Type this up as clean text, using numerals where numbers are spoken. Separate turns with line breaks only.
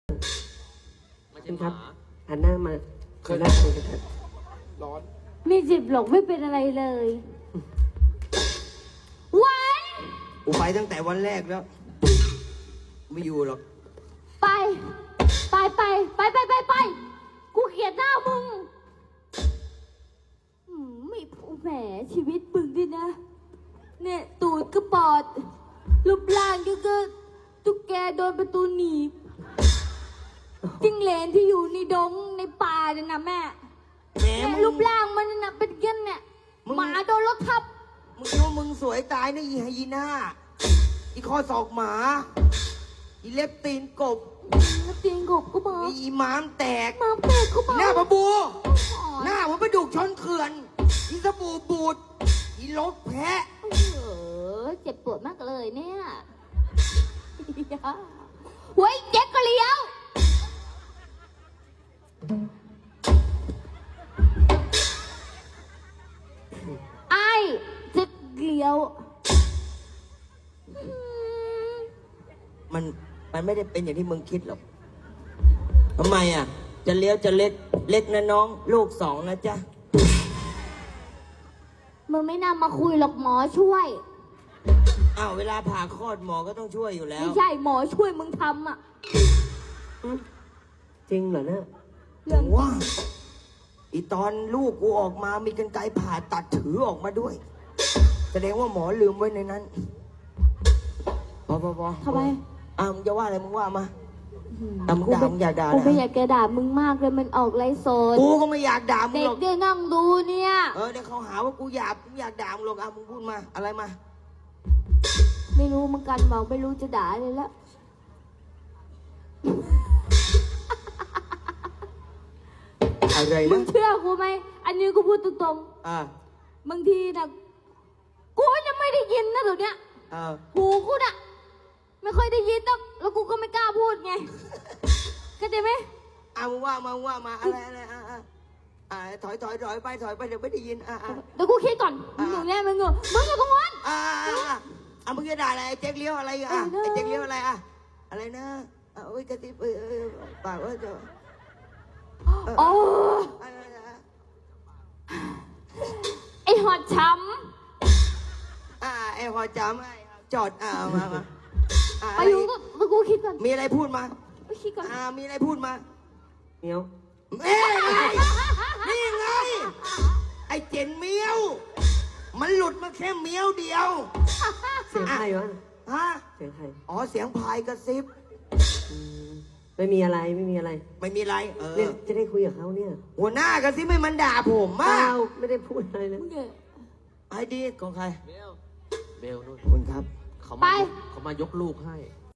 ไม่
คุ
ใช่
ณ
ห
ครับ
มา
หันหน้ามาหันหน้าคุยกันเถอะ
ร้อน
มีจิบหลงไม่เป็นอะไรเลยวัน
กูไปตั้งแต่วันแรกแล้ว ไม่อยู่หรอก
ไปไปกูเกลียดหน้ามึงไม่แหมชีวิตมึงดินะ เนี่ยตูดก็ปอดรูปร่างก็ตุ๊กแกโดนประตูหนีบจิ้งเหลนที่อยู่ในดงในป่าเนี่ยนะแม่
แหม
เนี่ย
มึง
รูปร่างมันน่ะเป็นกันเนี่ย
มึง
หมาโดนรถทับ
มึงคิดว่ามึงสวยตายนะอีไฮยีน่า อีคอศอกหมา อีเล็บตีนกบ
แล้วเตียงกบก็มา
อีม้ามแตก
มาแปลกก็มา
หน้าปะบู
อ๋อ
หน้ามันประดุกชนเขื่อน อีสบู่บูด อีลกแพะ
เจ็บปวดมากเลยเนี่ยเฮ้ยเจ๊กก็เลี้ยวไอ้เจ๊กเลี้ยว
มันไม่ได้เป็นอย่างที่มึงคิดหรอกทำไมอ่ะ จะเลี้ยวจะเล็กนะน้อง ลูก2นะจ๊ะ
มึงไม่น่ามาคุยหรอกหมอช่วย
อ้าวเวลาผ่าคลอดหมอก็ต้องช่วยอยู่แล้ว
ไม่ใช่หมอช่วยมึงทำอ่ะ
จริงเหรอเนี่ย
เรื่อง
ว่าอีตอนลูกกูออกมามีกรรไกรผ่าตัดถือออกมาด้วย แสดงว่าหมอลืมไว้ในนั้นพอ
ทำไม
มึงจะว่าอะไรมึงว่ามามึงด่ามึงอย่าด่า
กูไม่
นะ
อยากจะด่ามึงมากเลยมันออกไรโซน
กูก็ไม่อยากด่ามึง
เด็
ห
ก
รอก
ได้นั่งดูเนี่ย
เดี๋ยวเขาหาว่ากูอยากด่ามึงหรอกมึงพูดมาอะไรมา
ไม่รู้เหมือนกันบอกไม่รู้จะด่าเลยแล้ว
อะไร
มึ
นะ
งเชื่อกูไหมอันนี้กูพูดตรง
อ่า
ๆบางทีนะกูยังไม่ได้ยินนะตัวเนี้ย หูกูน่ะไม่ค่อยได้ยินต้องแล้วกูก็ไม่กล้าพูดไงเข้าใจไหม
มึงว่ามาอะไรถอยไปเดี๋ยวไม่ได้ยิน
เดี๋ยวกูคิดก่อนมึงอยู่เนี่ยมึงอยู่ตรงนั้น
มึงจะด่าอะไรไอ้เจ๊กเลี้ยวอะไรไอ้เจ๊กเลี้ยวอะไรอะไรนะโอ้ยกระติบปากว่าจะ
โอ้ไอหอดช้
ไอ้หอจำจอดมา
ำไปอยู่ก็กูคิดก่อน
มีอะไรพูดมา
คิดก่อน
มีอะไรพูดมา
เมียว
นี่ไงไอ้เจนเมียวมันหลุดมาแค่เมียวเดียว
เสียงใครวะ
ฮะ
เสียงใคร
เสียงพายกระซิบ
ไม่มีอะไรไม่มีอะไร
ไม่มีอะไร
เนี่ยจะได้คุยกับเขาเนี่ย
หัวหน้ากระซิบไม่มันด่าผมมา
เปล่าไม่ได้พูดอะไรเลย
มึงเนี่ย
ไอ้ดีของใคร
เบลนู่น
คุณครับ
เขา
ไป
เขามายกลูกให้